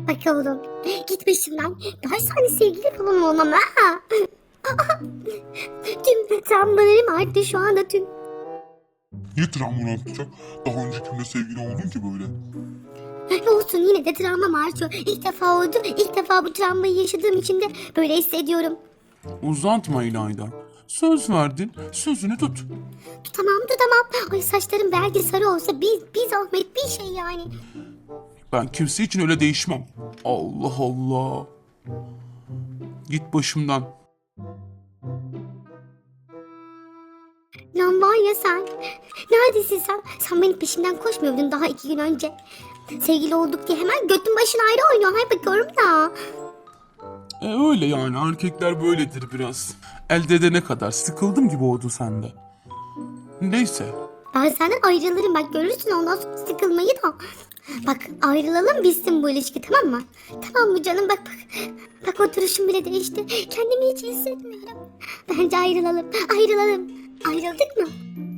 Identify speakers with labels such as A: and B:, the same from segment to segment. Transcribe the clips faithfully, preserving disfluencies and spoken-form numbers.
A: Bak oğlum, git başımdan. Ben sana sevgili falan olmam ha. Tüm travmalarım arttı şu anda tüm.
B: Niye travmanı atacak? Daha önce kimle sevgili oldun ki böyle?
A: Ne olsun yine de travmam artıyor. İlk defa oldu. İlk defa bu travmayı yaşadığım için de böyle hissediyorum.
C: Uzatma İlayda. Söz verdin, sözünü tut.
A: Tamam tutamam. Ay saçlarım belki sarı olsa bir, bir zahmet bir şey yani.
C: Ben kimse için öyle değişmem. Allah Allah. Git başımdan.
A: Lan var ya sen. Neredesin sen? Sen benim peşimden koşmuyordun daha iki gün önce. Sevgili olduk diye hemen götün başın ayrı oynuyor. Hay bakıyorum da.
C: E öyle yani, erkekler böyledir biraz. Elde edene kadar sıkıldım gibi oldu sende. Neyse.
A: Ben senden ayrılırım bak görürsün ondan sonra sıkılmayı da. Bak ayrılalım bitsin bu ilişki tamam mı? Tamam mı canım bak bak. Bak oturuşum bile değişti. Kendimi hiç iyi hissetmiyorum. Bence ayrılalım. Ayrılalım. Ayrıldık mı?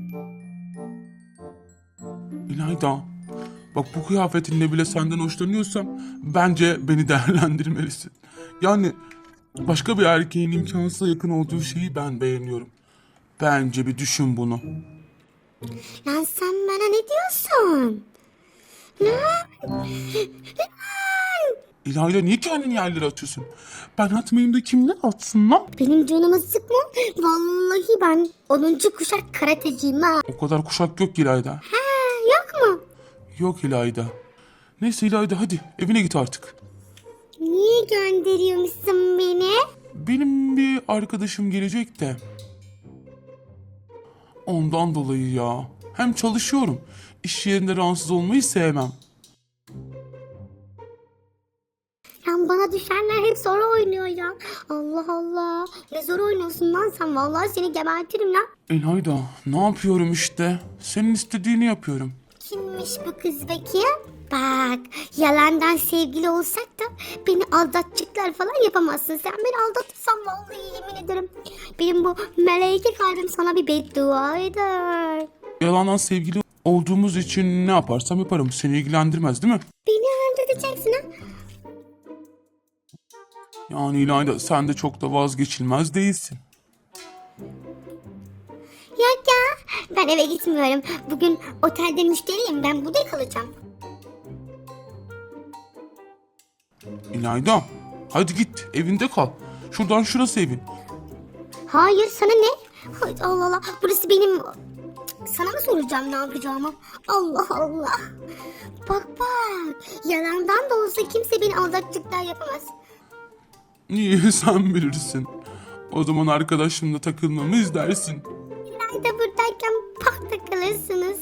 C: İlayda, bak bu kıyafetinle bile senden hoşlanıyorsam bence beni değerlendirmelisin. Yani başka bir erkeğin imkansıza yakın olduğu şeyi ben beğeniyorum. Bence bir düşün bunu.
A: Lan sen bana ne diyorsun? Ne?
C: İlayda niye kendini yerlere atıyorsun? Ben atmayayım da kimler atsın lan?
A: Benim canımı sıkma. Vallahi ben onuncu kuşak karateciyim ha.
C: O kadar kuşak yok İlayda.
A: Ha yok mu?
C: Yok İlayda. Neyse İlayda hadi evine git artık.
A: Niye gönderiyormuşsun beni?
C: Benim bir arkadaşım gelecek de. Ondan dolayı ya. Hem çalışıyorum. İş yerinde rahatsız olmayı sevmem.
A: Lan bana düşenler hep zor oynuyor ya. Allah Allah. Ne zor oynuyorsun lan sen. Vallahi seni gebertirim lan.
C: İlayda ne yapıyorum işte. Senin istediğini yapıyorum.
A: Kimmiş bu kız peki? Bak yalandan sevgili olsak da beni aldatacaklar falan yapamazsın. Sen beni aldatırsan vallahi yemin ederim. Benim bu meleke kalbim sana bir beddua eder.
C: Yalandan sevgili olduğumuz için ne yaparsam yaparım. Seni ilgilendirmez değil mi?
A: Beni öldüreceksin ha.
C: Yani İlayda sen de çok da vazgeçilmez değilsin.
A: Yok ya ben eve gitmiyorum. Bugün otelde müşteriyim ben burada kalacağım.
C: İlayda hadi git evinde kal. Şuradan şurası evin.
A: Hayır sana ne? Hay Allah Allah burası benim... Sana mı soracağım ne yapacağımı? Allah Allah. Bak bak yalandan da olsa kimse beni aldatacaklar yapamaz.
C: Niye sen bilirsin. O zaman arkadaşımla takılmamı izlersin.
A: Nerede buradayken pak takılırsınız.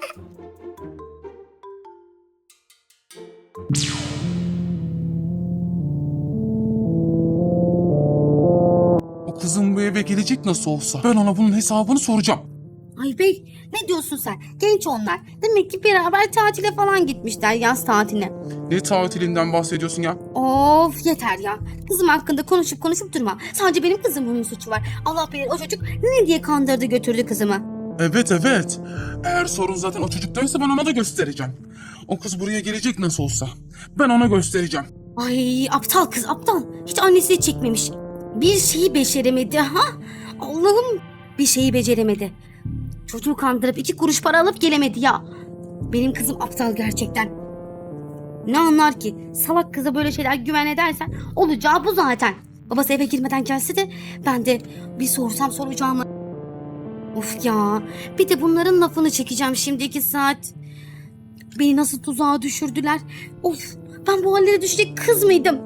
C: O kızın bu eve gelecek nasıl olsa. Ben ona bunun hesabını soracağım.
D: Ay bey ne diyorsun sen? Genç onlar. Demek ki beraber tatile falan gitmişler yaz tatiline.
C: Ne tatilinden bahsediyorsun ya?
D: Of yeter ya. Kızım hakkında konuşup konuşup durma. Sadece benim kızımın suçu var. Allah bilir o çocuk ne diye kandırdı götürdü kızımı.
C: Evet evet. Eğer sorun zaten o çocuktaysa ben ona da göstereceğim. O kız buraya gelecek nasıl olsa. Ben ona göstereceğim.
D: Ay aptal kız aptal. Hiç annesi çekmemiş. Bir şeyi beceremedi ha. Allah'ım bir şeyi beceremedi. Çocuğu kandırıp iki kuruş para alıp gelemedi ya. Benim kızım aptal gerçekten. Ne anlar ki? Salak kıza böyle şeyler güven edersen olacağı bu zaten. Babası eve girmeden gelse de ben de bir sorsam soracağımı. Of ya. Bir de bunların lafını çekeceğim şimdi iki saat. Beni nasıl tuzağa düşürdüler. Of ben bu hallere düşecek kız mıydım?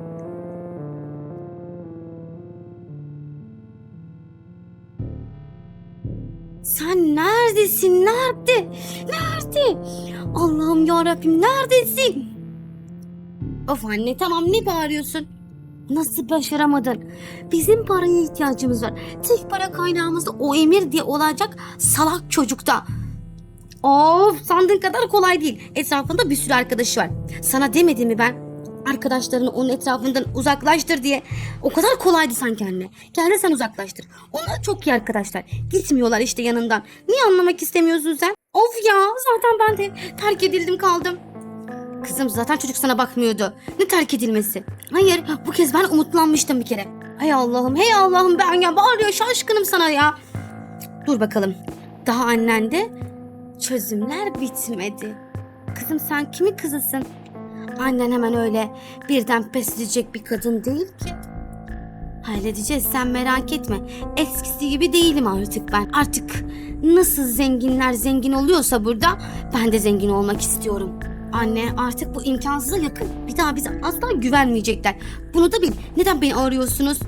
D: Sen neredesin? Nerede? Nerede? Allah'ım yarabbim neredesin? Of anne tamam ne bağırıyorsun? Nasıl başaramadın? Bizim paraya ihtiyacımız var. Tek para kaynağımız da o Emir diye olacak salak çocukta. Of sandığın kadar kolay değil. Etrafında bir sürü arkadaşı var. Sana demedim mi ben? Arkadaşlarını onun etrafından uzaklaştır diye. O kadar kolaydı sanki anne. Gel sen uzaklaştır. Onlar çok iyi arkadaşlar. Gitmiyorlar işte yanından. Niye anlamak istemiyorsun sen? Of ya zaten ben de terk edildim kaldım. Kızım zaten çocuk sana bakmıyordu. Ne terk edilmesi? Hayır, bu kez ben umutlanmıştım bir kere. Hey Allah'ım, hey Allah'ım, ben ya bağırıyor, şaşkınım sana ya. Dur bakalım. Daha annende çözümler bitmedi. Kızım sen kimin kızısın? Annen hemen öyle birden pes edecek bir kadın değil ki. Halledeceğiz, sen merak etme. Eskisi gibi değilim artık ben. Artık nasıl zenginler zengin oluyorsa burada, ben de zengin olmak istiyorum. Anne, artık bu imkansıza yakın. Bir daha bize asla güvenmeyecekler. Bunu da bil. Neden beni arıyorsunuz?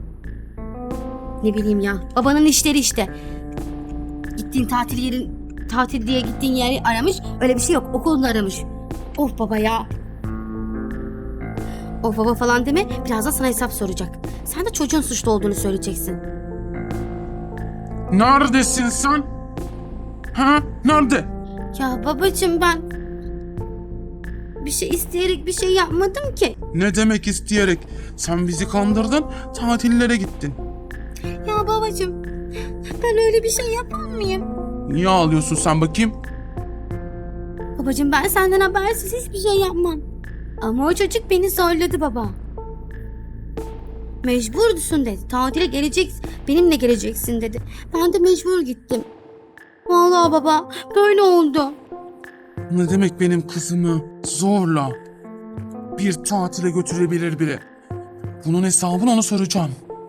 D: Ne bileyim ya. Babanın işleri işte. Gittiğin tatil yerin, tatil diye gittiğin yeri aramış. Öyle bir şey yok. Okulunu aramış. Of baba ya. Of baba falan deme. Birazdan sana hesap soracak. Sen de çocuğun suçlu olduğunu söyleyeceksin.
C: Neredesin sen? Ha? Nerede?
D: Ya babacığım, ben bir şey isteyerek bir şey yapmadım ki.
C: Ne demek isteyerek? Sen bizi kandırdın, tatillere gittin.
D: Ya babacığım, ben öyle bir şey yapar mıyım?
C: Niye ağlıyorsun sen bakayım?
D: Babacığım, ben senden habersiz hiçbir şey yapmam. Ama o çocuk beni zorladı baba. Mecburdusun dedi. Tatile geleceksin. Benimle geleceksin dedi. Ben de mecbur gittim. Vallahi baba, böyle oldu.
C: Ne demek benim kızımı zorla bir tatile götürebilir biri? Bunun hesabını ona soracağım.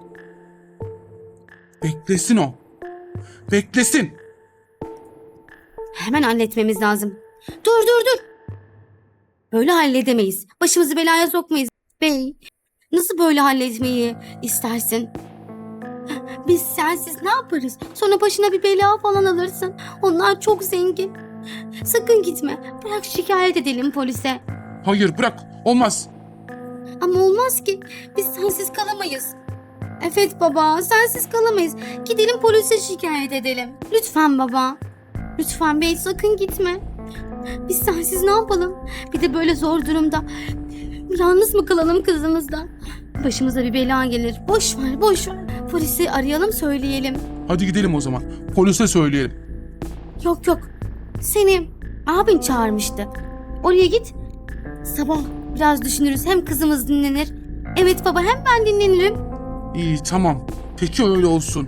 C: Beklesin o. Beklesin.
D: Hemen halletmemiz lazım. Dur dur dur. Böyle halledemeyiz. Başımızı belaya sokmayız. Bey, nasıl böyle halletmeyi istersin? Biz sensiz ne yaparız? Sonra başına bir bela falan alırsın. Onlar çok zengin. Sakın gitme. Bırak şikayet edelim polise.
C: Hayır bırak. Olmaz.
D: Ama olmaz ki. Biz sensiz kalamayız. Evet baba, sensiz kalamayız. Gidelim polise şikayet edelim. Lütfen baba. Lütfen bey, sakın gitme. Biz sensiz ne yapalım? Bir de böyle zor durumda. Yalnız mı kalalım kızımızla? Başımıza bir bela gelir. Boş ver, boş ver. Polisi arayalım, söyleyelim.
C: Hadi gidelim o zaman. Polise söyleyelim.
D: Yok yok. Seni abin çağırmıştı. Oraya git. Sabah biraz düşünürüz. Hem kızımız dinlenir. Evet baba, hem ben dinlenirim.
C: İyi tamam. Peki öyle olsun.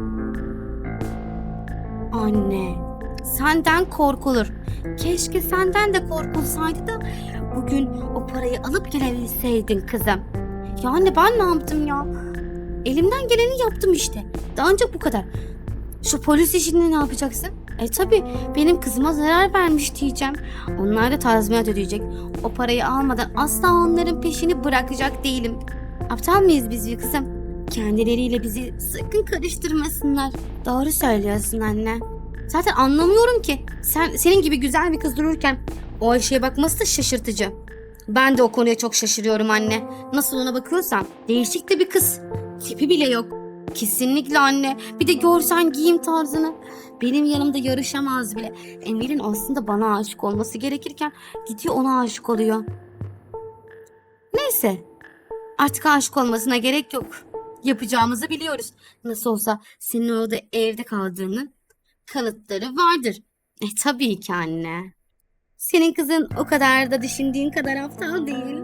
D: Anne, senden korkulur. Keşke senden de korkulsaydı da bugün o parayı alıp gelebilseydin kızım. Ya anne, ben ne yaptım ya? Elimden geleni yaptım işte. Daha ancak bu kadar. Şu polis işini ne yapacaksın? E tabi, benim kızıma zarar vermiş diyeceğim. Onlar da tazminat ödeyecek. O parayı almadan asla onların peşini bırakacak değilim. Aptal mıyız biz bir kızım? Kendileriyle bizi sakın karıştırmasınlar. Doğru söylüyorsun anne. Zaten anlamıyorum ki. Sen senin gibi güzel bir kız dururken o Ayşe'ye bakması da şaşırtıcı. Ben de o konuya çok şaşırıyorum anne. Nasıl ona bakıyorsam. Değişik de bir kız. Tipi bile yok. Kesinlikle anne. Bir de görsen giyim tarzını. Benim yanımda yarışamaz bile. Emir'in aslında bana aşık olması gerekirken gidiyor ona aşık oluyor. Neyse. Artık aşık olmasına gerek yok. Yapacağımızı biliyoruz. Nasıl olsa senin orada evde kaldığının kanıtları vardır. E tabii ki anne. Senin kızın o kadar da düşündüğün kadar aptal değil.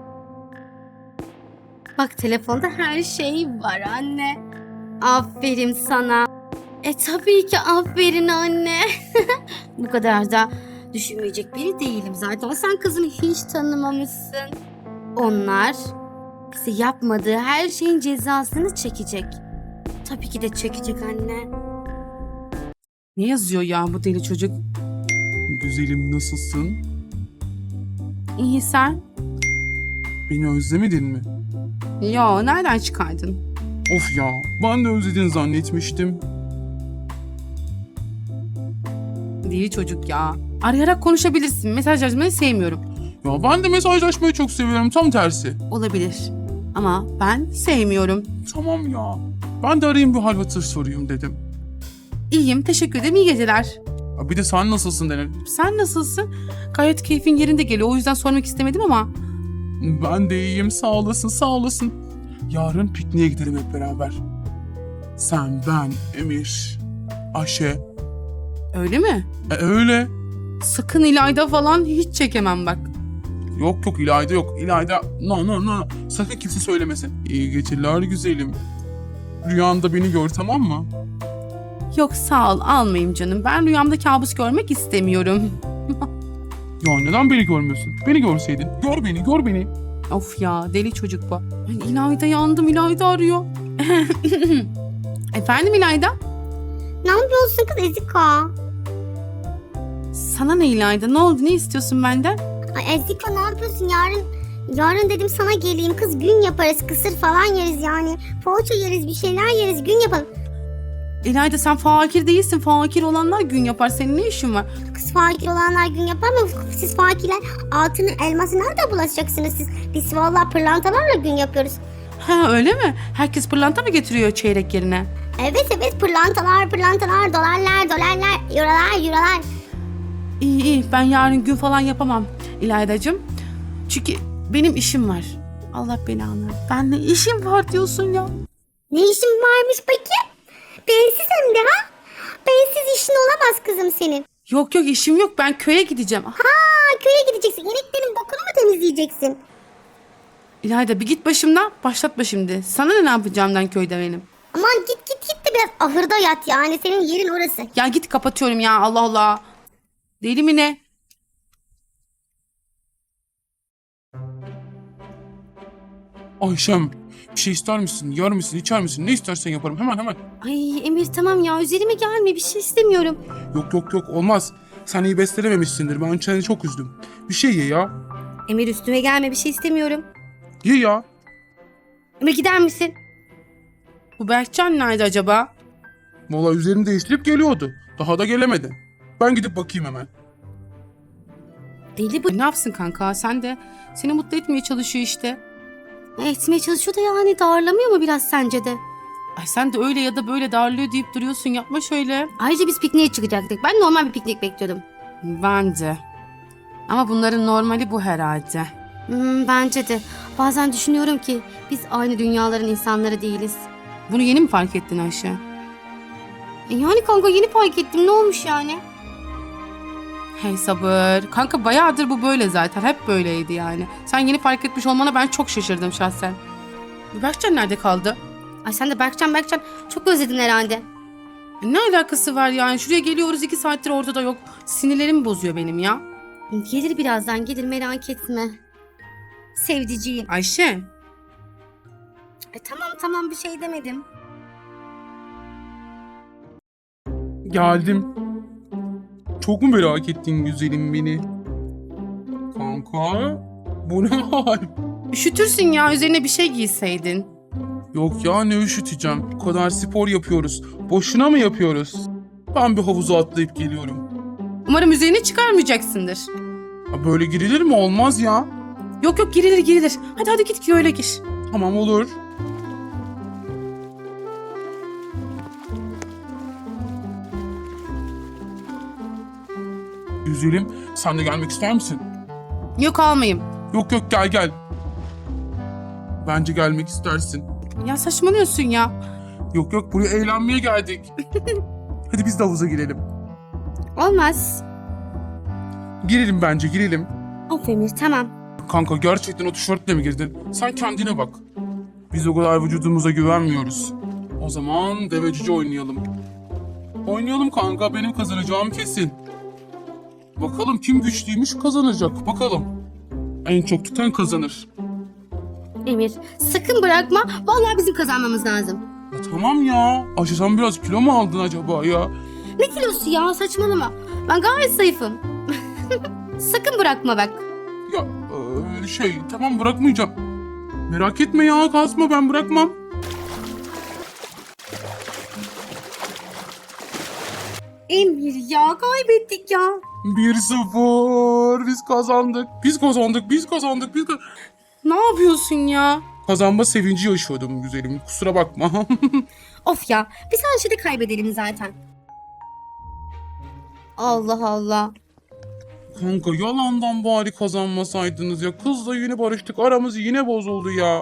D: Bak, telefonda her şey var anne. Aferin sana. E tabii ki aferin anne. Bu kadar da düşünmeyecek biri değilim zaten. Sen kızını hiç tanımamışsın. Onlar bize yapmadığı her şeyin cezasını çekecek. Tabii ki de çekecek anne.
E: Ne yazıyor ya bu deli çocuk?
C: Güzelim nasılsın?
E: İyi sen?
C: Beni özlemedin mi?
E: Ya nereden çıkardın?
C: Of ya, ben de özledin zannetmiştim.
E: Deli çocuk ya. Arayarak konuşabilirsin. Mesaj yazmayı sevmiyorum.
C: Ya ben de mesajlaşmayı çok seviyorum, tam tersi.
E: Olabilir. Ama ben sevmiyorum.
C: Tamam ya, ben de arayayım bir hal hatır sorayım dedim.
E: İyiyim, teşekkür ederim. İyi geceler.
C: Ya bir de sen nasılsın denelim.
E: Sen nasılsın? Gayet keyfin yerinde geliyor. O yüzden sormak istemedim ama.
C: Ben de iyiyim, sağ olasın, sağ olasın. Yarın pikniğe gidelim hep beraber. Sen, ben, Emir, Ayşe.
E: Öyle mi?
C: E öyle.
E: Sakın İlayda falan hiç çekemem bak.
C: Yok yok İlayda yok. İlayda no no no. Sakın kimse söylemesin. İyi geceler güzelim. Rüyanda beni gör tamam mı?
E: Yok sağ ol almayayım canım. Ben rüyamda kabus görmek istemiyorum.
C: Ya neden beni görmüyorsun? Beni görseydin. Gör beni gör beni.
E: Of ya deli çocuk bu. Ay, İlayda yandım İlayda arıyor. Efendim İlayda?
A: Ne yapıyorsun kız Eziko?
E: Sana ne İlayda ne oldu ne istiyorsun benden?
A: Ay Eziko ne yapıyorsun yarın? Yarın dedim sana geleyim kız, gün yaparız, kısır falan yeriz yani. Poğaça yeriz, bir şeyler yeriz, gün yapalım.
E: İlayda sen fakir değilsin. Fakir olanlar gün yapar. Senin ne işin var?
A: Kız fakir olanlar gün yapar mı? Siz fakirler altını elması nerede bulaşacaksınız siz? Biz vallahi pırlantalarla gün yapıyoruz.
E: Ha öyle mi? Herkes pırlanta mı getiriyor çeyrek yerine?
A: Evet evet pırlantalar pırlantalar, dolarlar dolarlar, eurolar eurolar.
E: İyi iyi ben yarın gün falan yapamam İlaydacığım. Çünkü benim işim var. Allah belanı. Ben ne işim var diyorsun ya.
A: Ne işin varmış peki? Bensiz hem de ha? Bensiz işin olamaz kızım senin.
E: Yok yok işim yok ben köye gideceğim. Ah,
A: Ha köye gideceksin. İneklerin bokunu mu temizleyeceksin?
E: İlayda bir git başımdan başlatma şimdi. Sana ne, ne yapacağımdan köyde benim.
A: Aman git git git de biraz ahırda yat yani. Senin yerin orası.
E: Ya git kapatıyorum ya Allah Allah. Deli mi ne?
C: Ayşem bir şey ister misin? Yer misin? İçer misin? Ne istersen yaparım. Hemen hemen.
D: Ay Emir tamam ya üzerime gelme bir şey istemiyorum.
C: Yok yok yok olmaz. Sen iyi beslenememişsindir. Ben seni çok üzdüm. Bir şey ye ya.
D: Emir üstüme gelme bir şey istemiyorum.
C: Ye ya.
D: Emir gider misin?
E: Bu Berkcan nerede acaba?
C: Valla üzerini değiştirip geliyordu. Daha da gelemedi. Ben gidip bakayım hemen.
D: Deli bu.
E: E, ne yapsın kanka sen de seni mutlu etmeye çalışıyor işte.
D: Etmeye çalışıyor da yani darlamıyor mu biraz sence de?
E: Ay sen de öyle ya da böyle darlıyor deyip duruyorsun yapma şöyle.
D: Ayrıca biz pikniğe çıkacaktık. Ben normal bir piknik bekliyordum.
E: Bence. Ama bunların normali bu herhalde.
D: Hmm, bence de. Bazen düşünüyorum ki biz aynı dünyaların insanları değiliz.
E: Bunu yeni mi fark ettin Ayşe?
D: E yani kanka yeni fark ettim ne olmuş yani?
E: Hey sabır. Kanka bayağıdır bu böyle zaten. Hep böyleydi yani. Sen yeni fark etmiş olmana ben çok şaşırdım şahsen. Bu Berkcan nerede kaldı?
D: Ay sen de Berkcan Berkcan çok özledin herhalde.
E: E, ne alakası var yani? Şuraya geliyoruz iki saattir ortada yok. Sinirlerimi bozuyor benim ya.
D: Gelir birazdan gelir merak etme. Sevdiciğim.
E: Ayşe.
D: E tamam tamam bir şey demedim.
C: Geldim. Çok mu merak ettin güzelim beni? Kanka. Bu ne hal?
E: Üşütürsün ya üzerine bir şey giyseydin.
C: Yok ya ne üşüteceğim. Bu kadar spor yapıyoruz. Boşuna mı yapıyoruz? Ben bir havuza atlayıp geliyorum.
E: Umarım üzerine çıkarmayacaksındır.
C: Ya böyle girilir mi? Olmaz ya.
E: Yok yok girilir girilir. Hadi hadi git ki öyle gir.
C: Tamam olur. Güzelim sen de gelmek ister misin?
E: Yok almayayım.
C: Yok yok gel gel. Bence gelmek istersin.
E: Ya saçmalıyorsun ya.
C: Yok yok buraya eğlenmeye geldik. Hadi biz de havuza girelim.
D: Olmaz.
C: Girelim bence girelim.
D: Of Emir tamam.
C: Kanka gerçekten o tişörtle mi girdin? Sen kendine bak. Biz o kadar vücudumuza güvenmiyoruz. O zaman deve cüce oynayalım. Oynayalım kanka benim kazanacağım kesin. Bakalım kim güçlüymüş kazanacak bakalım. En çok tutan kazanır.
D: Emir sakın bırakma. Vallahi bizim kazanmamız lazım.
C: Ya tamam ya. Ayşe sen biraz kilo mu aldın acaba ya?
D: Ne kilosu ya saçmalama. Ben gayet zayıfım. Sakın bırakma bak.
C: Ya e, şey tamam bırakmayacağım. Merak etme ya kasma ben bırakmam.
D: Emir ya kaybettik ya.
C: bir sıfır biz kazandık. Biz kazandık biz kazandık biz kazandık.
E: Ne yapıyorsun ya?
C: Kazanma sevinci yaşıyordum güzelim. Kusura bakma.
D: Of ya biz her şeyde kaybedelim zaten. Allah Allah.
C: Kanka yalandan bari kazanmasaydınız ya. Kızla yine barıştık. Aramız yine bozuldu ya.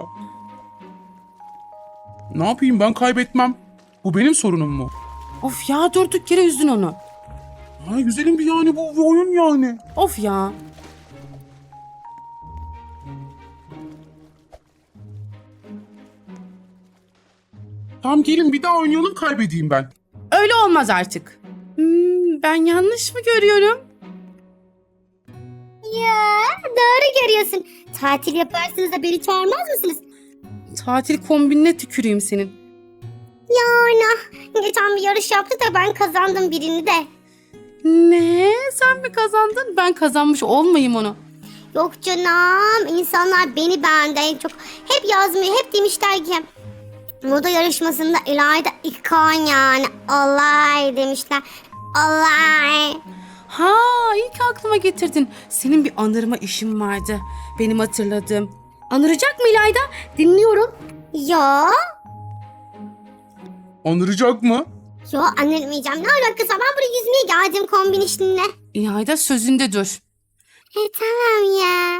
C: Ne yapayım ben kaybetmem. Bu benim sorunum mu?
E: Of ya durduk yere üzdün onu.
C: Ay güzelim bir yani bu bir oyun yani.
E: Of ya.
C: Tamam gelin bir daha oynayalım, kaybedeyim ben.
E: Öyle olmaz artık. Hmm, ben yanlış mı görüyorum?
A: Ya doğru görüyorsun. Tatil yaparsınız da beni çağırmaz mısınız?
E: Tatil kombinine tüküreyim senin.
A: Yani geçen bir yarış yaptı da ben kazandım birini de.
E: Ne? Sen mi kazandın? Ben kazanmış olmayayım onu.
A: Yok canım, insanlar beni beğendi en çok. Hep yazmıyor, hep demişler ki moda yarışmasında İlayda ikon yani olay demişler. Olay.
E: Ha, iyi ki aklıma getirdin. Senin bir anırma işin vardı. Benim hatırladığım. Anıracak mı İlayda? Dinliyorum.
A: Ya,
C: Anıracak mı?
A: yo anlamayacağım. Ne alakası var? Ben buraya yüzmeye geldim kombin işinle.
E: İlayda sözünde dur.
A: E tamam ya.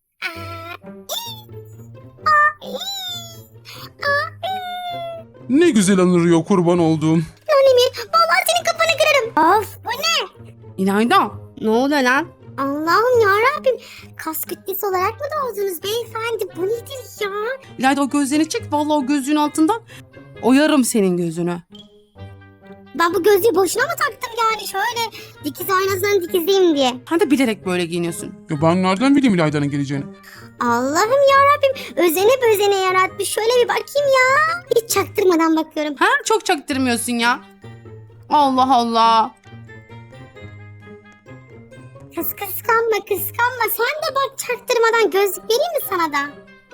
C: Ne güzel anırıyor kurban olduğum.
A: Annemir, vallahi senin kafanı kırarım. Of, bu ne?
E: İlayda, ne oluyor lan?
A: Allah'ım yarabbim. Kas kütlesi olarak mı doğdunuz beyefendi? Bu nedir ya?
E: İlayda o gözlerini çek. Vallahi o gözlüğün altından oyarım senin gözünü.
A: Ben bu gözlüğü boşuna mı taktım yani? Şöyle dikiz aynasından dikizleyeyim diye.
E: Sen de bilerek böyle giyiniyorsun.
C: Ya ben nereden bileyim İlayda'nın geleceğini?
A: Allah'ım yarabbim. Özene bözene yaratmış. Şöyle bir bakayım ya. Hiç çaktırmadan bakıyorum.
E: Ha, çok çaktırmıyorsun ya. Allah Allah.
A: Kız kıskanma kıskanma. Sen de bak çaktırmadan gözlük vereyim mi sana da?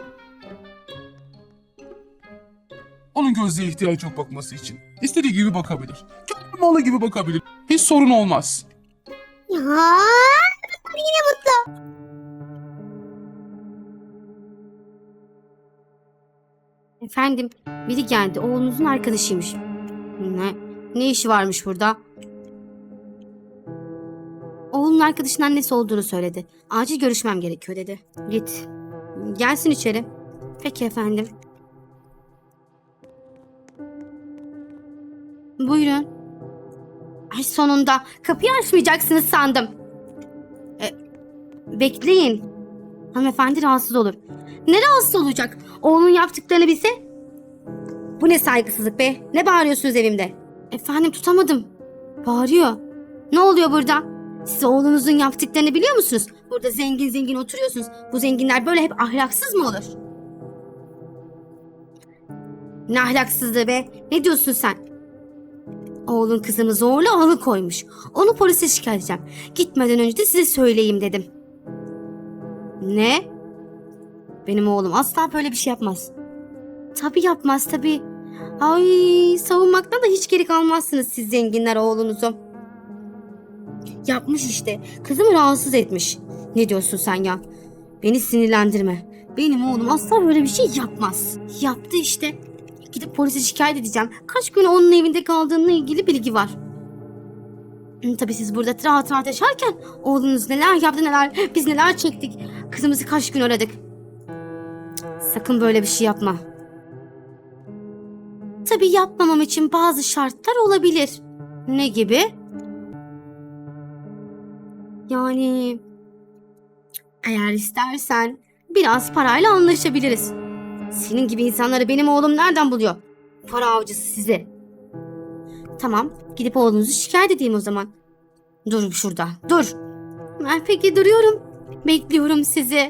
C: Onun gözlüğe ihtiyacı yok bakması için. İstediği gibi bakabilir. Kendi malı gibi bakabilir. Hiç sorun olmaz.
A: Ya yine mutlu.
D: Efendim, biri geldi. Oğlunuzun arkadaşıymış. Ne? Ne işi varmış burada? Oğlunun arkadaşının annesi olduğunu söyledi. Acil görüşmem gerekiyor dedi. Git. Gelsin içeri. Peki efendim. Buyurun. Ay sonunda. Kapıyı açmayacaksınız sandım. E, bekleyin. Hanımefendi rahatsız olur. Ne rahatsız olacak? Oğlunun yaptıklarını bilse. Bu ne saygısızlık be? Ne bağırıyorsunuz evimde? Efendim tutamadım. Bağırıyor. Ne oluyor burada? Siz oğlunuzun yaptıklarını biliyor musunuz? Burada zengin zengin oturuyorsunuz. Bu zenginler böyle hep ahlaksız mı olur? Ne ahlaksızlığı be? Ne diyorsun sen? Oğlun kızımı zorla alıkoymuş. Onu polise şikayet edeceğim. Gitmeden önce de size söyleyeyim dedim. Ne? Benim oğlum asla böyle bir şey yapmaz. Tabii yapmaz tabii. Ay, savunmaktan da hiç geri kalmazsınız siz zenginler oğlunuzu. Yapmış işte. Kızımı rahatsız etmiş. Ne diyorsun sen ya? Beni sinirlendirme. Benim oğlum asla böyle bir şey yapmaz. Yaptı işte. Gidip polise şikayet edeceğim. Kaç gün onun evinde kaldığımla ilgili bilgi var. Hı, tabii siz burada rahat rahat yaşarken oğlunuz neler yaptı neler, biz neler çektik. Kızımızı kaç gün aradık. Cık, sakın böyle bir şey yapma. Tabii yapmamam için bazı şartlar olabilir. Ne gibi? Yani eğer istersen biraz parayla anlaşabiliriz. Senin gibi insanları benim oğlum nereden buluyor? Para avcısı sizi. Tamam, gidip oğlunuzu şikayet edeyim o zaman. Dur şurada, dur. Ben peki duruyorum. Bekliyorum sizi.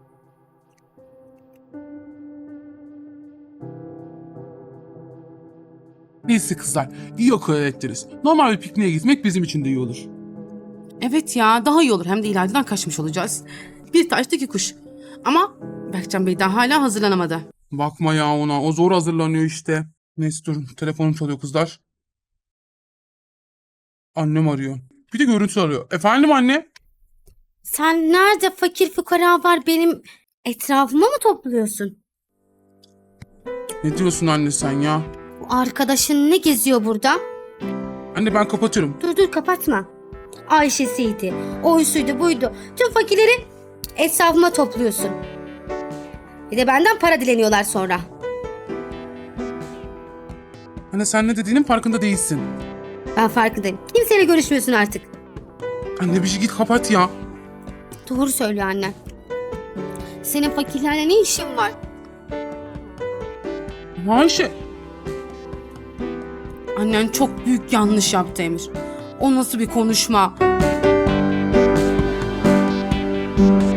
C: Neyse kızlar, iyi akıl ettiniz. Normal bir pikniğe gitmek bizim için de iyi olur.
E: Evet ya, daha iyi olur. Hem de İlayda'dan kaçmış olacağız. Bir taşta iki kuş. Ama Berkcan Bey daha hala hazırlanamadı.
C: Bakma ya ona, o zor hazırlanıyor işte. Neyse durun, telefonum çalıyor kızlar. Annem arıyor. Bir de görüntü arıyor. Efendim anne?
D: Sen nerede fakir fukara var benim etrafıma mı topluyorsun?
C: Ne diyorsun anne sen ya?
D: Bu arkadaşın ne geziyor burada?
C: Anne ben kapatırım.
D: Dur dur kapatma. Ayşe'siydi, oysuydu buydu. Tüm fakirleri etrafıma topluyorsun. Bir de benden para dileniyorlar sonra.
C: Anne sen ne dediğinin farkında değilsin.
D: Ben farkındayım. Kimseyle görüşmüyorsun artık.
C: Anne bir şey git kapat ya.
D: Doğru söylüyor annen. Senin fakirlerle ne işin var?
C: Ayşe.
E: Annen çok büyük yanlış yaptı Emir. O nasıl bir konuşma?